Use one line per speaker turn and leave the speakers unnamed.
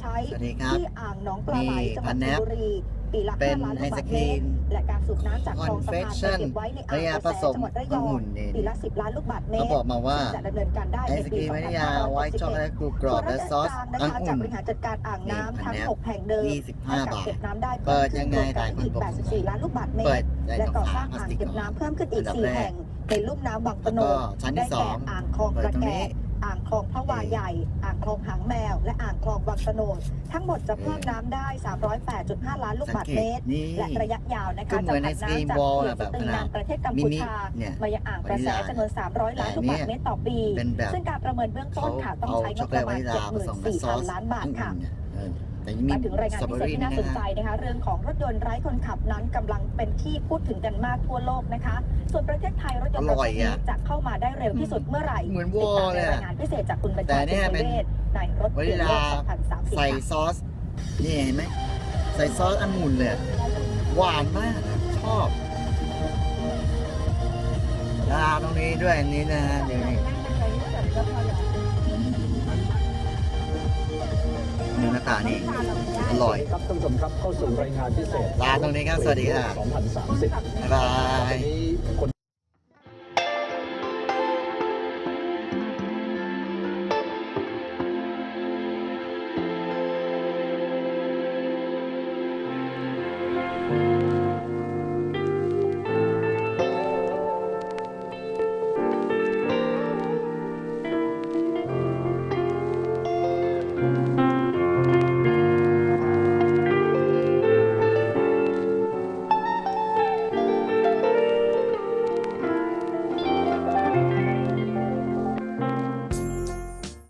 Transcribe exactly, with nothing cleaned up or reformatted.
ช้ที่อ่างหนองปลาไหลจังหวัดชลบุรีปีละห้าล้านลูกบาศก์เมตรและการสูบน้ำจากคลองสะพานไปเก็บไว้ในอ่างกระแสจังหวัดระยองปีละสิบล้านลูกบาศก์เมตร
เขาบอกมาว่า
จะดำเนินการได้ในปีสองพันห้าร้อยหกสิบเอ็ด
ไอศกรีมวานิลาไวท์ช็อกโกแลตกรุบกรอบและซอสองุ่น
จะบริหารจัดการอ่างน้ำทั้งหกแห่งเดิม
ยี่สิบห้าบาท
เก็บน้ำได้
เปิดยังไงหลายคน
อีก
บอก
แปดสิบสี่ล้านลูกบาศก์เม
เปิ
ต
ด
รและก่อสร้างอ่างเก็บน้ำเพิ่มขึ้นอีกสี่แห่งในลุ่มน้ำบางปะโน
แล้วก็ชั้นที่
ได้
สอ
แก่
ง
อ่างคลอง
เปิ
ก
ด
ระ
ตรง
แก
นี้
อ่างคลองพระวาใหญ่อ่างคลองหางแมวและอ่างคลองวังตะโนดทั้งหมดจะเพิ่มน้ำได้ สามร้อยแปดจุดห้า ล้านลูกบาศก์เมตร
นี่
และระยะยาวนะคะ
ก็เหมื
จะ
อน
ผัน
ไอศกรีม
น้ำจาก
วอล
เขื่อน
แบ
ส
บ
ตรีนามประเทศกัม
มิ
พู
นิ
ชา
เนี่ย
มายังอ่างกระแสจำนวนสามร้อยล้านลูกบาศก์เมตรต่อปี
เป็นแบบ
ซึ่งการประเมินเบื้องต้นค่ะต้อง
เอา
ใช้ง
ช็อบ กโก
ป
แลต
ระ
วา
มาณ
นิลาผสมกับ
เจ็ดหมื่นสี่
ซอ
พัน
ส
ล้านบาทค่ะ
องุ่นเนี่ยเออแต่ยังมี
มาถึงรายงาน
สตรอ
พิ
เบอ
เศษ
รี่
ที่
นะ
น่าสนใจ
ฮะ
นะคะเรื่องของรถยนต์ไร้คนขับนั้นกำลังเป็นที่พูดถึงกันมากทั่วโลกนะคะ ส่วนประเทศไทยรถยนต์ประเภทนี้จะเข้ามาได้เร็วที่สุดเมื่อไหร่
เหมือนว
ติ
อ
ดตาม
ล
ใน
เลย
รายงานพิเศษจากคุณบัญ
แต่
ชา
เนี่
สุ
ย
ข
เป็น
เวชในรถ
วา
เกี
นิ
ยร์โล
ลาก
สองพันสามสิบ
ใส่ซอสนี่เห็นไหมใส่ซอสองุ่นเลยหวานมากชอบลาตรงนี้ด้วยอันนี้นะฮะเดี๋ยวนี้เนื้อหน้าตานี่อร่อย
ครับท่านผู้ชมครับเข้าสู่รายงานพิเศษ
ลาตรงนี้ครับสวัสดีค่ะ
สองพันสามสิบ
บ๊ายบาย
วันนี้